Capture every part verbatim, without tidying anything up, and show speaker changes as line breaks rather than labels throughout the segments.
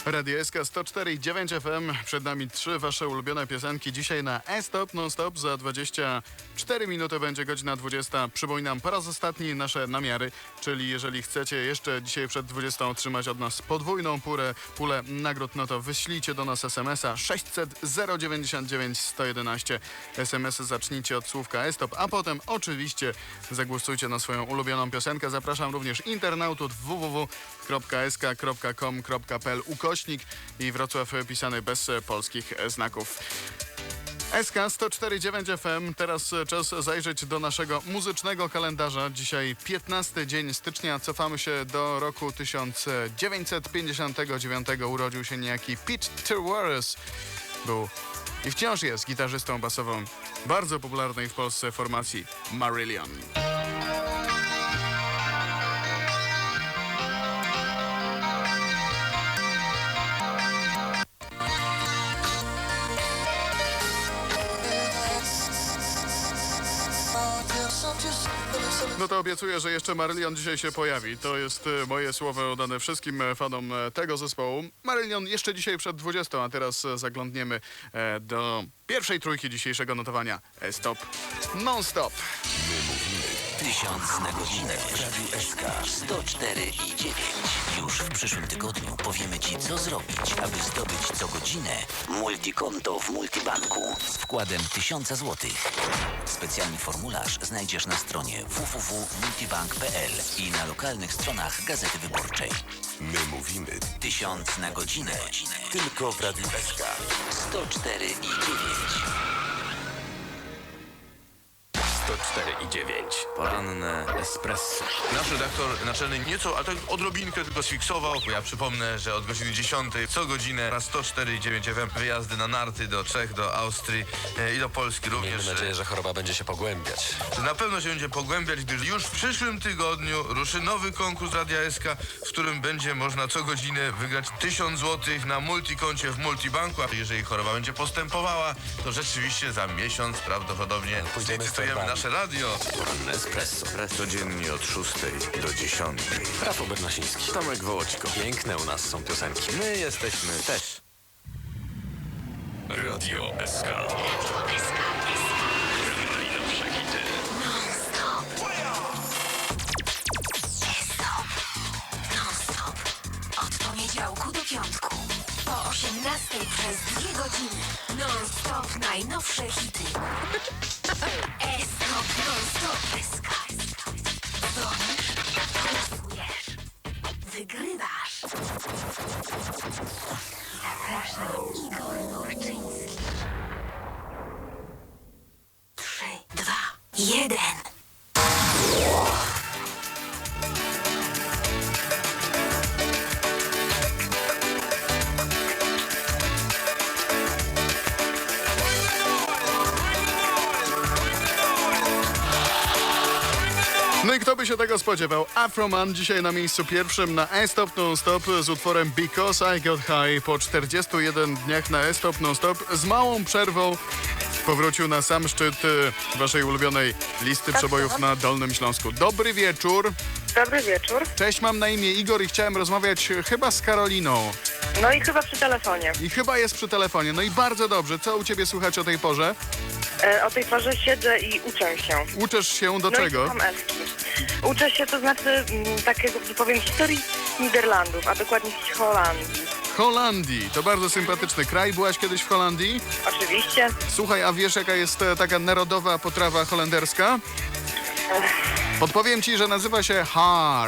Radio S K sto cztery i dziewięć F M. Przed nami trzy wasze ulubione piosenki. Dzisiaj na E-Stop Non-Stop za dwadzieścia cztery minuty będzie godzina dwudziesta. Przypominam po raz ostatni nasze namiary, czyli jeżeli chcecie jeszcze dzisiaj przed dwudziestą otrzymać od nas podwójną pulę, pulę nagród, no to wyślijcie do nas es em es a sześćset zero dziewięćdziesiąt dziewięć sto jedenaście. es em esy zacznijcie od słówka E-Stop, a potem oczywiście zagłosujcie na swoją ulubioną piosenkę. Zapraszam również internautów w w w kropka s k kropka com kropka p l ukośnik i Wrocław pisany bez polskich znaków. S K sto cztery i dziewięć F M. Teraz czas zajrzeć do naszego muzycznego kalendarza. Dzisiaj piętnasty dzień stycznia. Cofamy się do roku tysiąc dziewięćset pięćdziesiątego dziewiątego. Urodził się niejaki Pete Towers. Był i wciąż jest gitarzystą basową bardzo popularnej w Polsce formacji Marillion. No to obiecuję, że jeszcze Marillion dzisiaj się pojawi. To jest e, moje słowo oddane wszystkim e, fanom e, tego zespołu. Marillion jeszcze dzisiaj przed dwudziestą, a teraz e, zaglądniemy e, do pierwszej trójki dzisiejszego notowania. E-Stop Non-Stop.
My mówimy tysiąc na godzinę w Radiu S K sto cztery i dziewięć. Już w przyszłym tygodniu powiemy Ci, co zrobić, aby zdobyć co godzinę multikonto w Multibanku z wkładem tysiąc złotych. Specjalny formularz znajdziesz na stronie w w w kropka multibank kropka p l i na lokalnych stronach Gazety Wyborczej.
My mówimy
Tysiąc na godzinę
tylko w Radiu S K.
sto cztery i dziewięć.
sto cztery i dziewięć.
Poranne espresso. Nasz redaktor naczelny nieco, a tak odrobinkę tylko sfiksował. Ja przypomnę, że od godziny dziesiątej co godzinę na sto cztery i dziewięć F M wyjazdy na narty do Czech, do Austrii e, i do Polski również.
Miejmy nadzieję, że choroba będzie się pogłębiać.
Na pewno się będzie pogłębiać, gdyż już w przyszłym tygodniu ruszy nowy konkurs Radia S K, w którym będzie można co godzinę wygrać tysiąc złotych na multikoncie w Multibanku. A jeżeli choroba będzie postępowała, to rzeczywiście za miesiąc prawdopodobnie
Pójdziemy z
zlicytujemy
torbami.
nasze radio.
Poranne espresso.
Codziennie od szóstej do dziesiątej.
Rafał Bernasiński. Tomek Wołoćko. Piękne u nas są piosenki.
My jesteśmy też.
Radio S K. Najnowsze hity.
Non-stop. Od poniedziałku do piątku. Po osiemnastej przez dwie godziny. Non-stop najnowsze hity. E-stop non-stop. Dzwonisz, głosujesz, wygrywasz. Zapraszam, Igor Orczyński. Trzy, dwa, jeden.
No i kto by się tego spodziewał? Afroman dzisiaj na miejscu pierwszym na E-Stop Non-Stop z utworem Because I Got High. Po czterdziestu jeden dniach na E-Stop Non-Stop z małą przerwą powrócił na sam szczyt e, waszej ulubionej listy przebojów na Dolnym Śląsku. Dobry wieczór.
Dobry wieczór.
Cześć, mam na imię Igor i chciałem rozmawiać e, chyba z Karoliną.
No i chyba przy telefonie.
I chyba jest przy telefonie. No i bardzo dobrze. Co u ciebie słychać o tej porze?
E, o tej porze siedzę i uczę się.
Uczesz się do
no
czego?
i słucham eski. Uczę się, to znaczy m, takiego, że powiem, historii Niderlandów, a dokładnie z Holandii.
Holandii. To bardzo sympatyczny kraj. Byłaś kiedyś w Holandii?
Oczywiście.
Słuchaj, a wiesz jaka jest e, taka narodowa potrawa holenderska? Podpowiem ci, że nazywa się haar.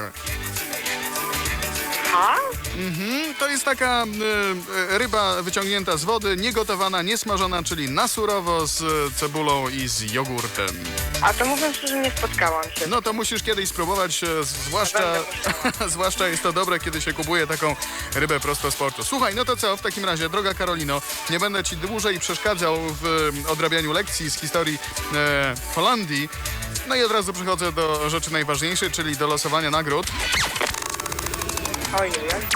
Ha?
Mhm, to jest taka e, e, ryba wyciągnięta z wody, niegotowana, niesmażona, czyli na surowo z e, cebulą i z jogurtem.
A to mówiąc szczerze, nie spotkałam się.
No to musisz kiedyś spróbować, e, zwłaszcza,
Będę
zwłaszcza jest to dobre, kiedy się kupuje taką rybę prosto z portu. Słuchaj, no to co, w takim razie, droga Karolino, nie będę ci dłużej przeszkadzał w e, odrabianiu lekcji z historii e, Holandii. No i od razu przechodzę do rzeczy najważniejszej, czyli do losowania nagród.
Ojej.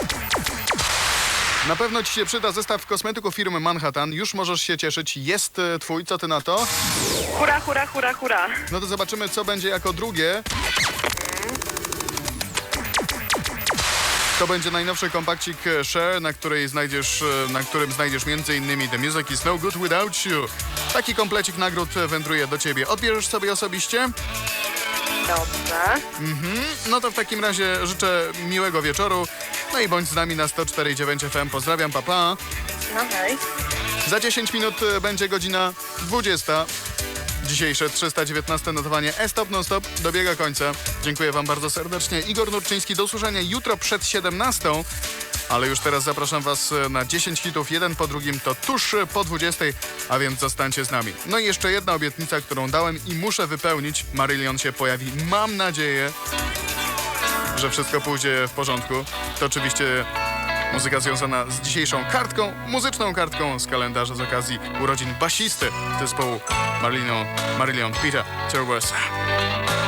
Na pewno ci się przyda zestaw kosmetyków firmy Manhattan. Już możesz się cieszyć. Jest e, twój, co ty na to?
Hura, hura, hura, hura.
No to zobaczymy, co będzie jako drugie. To będzie najnowszy kompakcik Share, na, której znajdziesz, na którym znajdziesz m.in. The Music is No Good Without You. Taki komplecik nagród wędruje do ciebie. Odbierzesz sobie osobiście?
Dobrze.
No to w takim razie życzę miłego wieczoru. No i bądź z nami na sto cztery i dziewięć F M. Pozdrawiam, papa. Pa.
No hej.
Za dziesięć minut będzie godzina dwudziesta. Dzisiejsze trzysta dziewiętnaste notowanie E-Stop Non-Stop dobiega końca. Dziękuję wam bardzo serdecznie. Igor Nurczyński, do usłyszenia jutro przed siedemnastą. Ale już teraz zapraszam was na dziesięć hitów, jeden po drugim, to tuż po dwudziestej, a więc zostańcie z nami. No i jeszcze jedna obietnica, którą dałem i muszę wypełnić. Marillion się pojawi. Mam nadzieję, że wszystko pójdzie w porządku. To oczywiście muzyka związana z dzisiejszą kartką, muzyczną kartką z kalendarza z okazji urodzin basisty zespołu Marillion, Marillion Peter Turbo.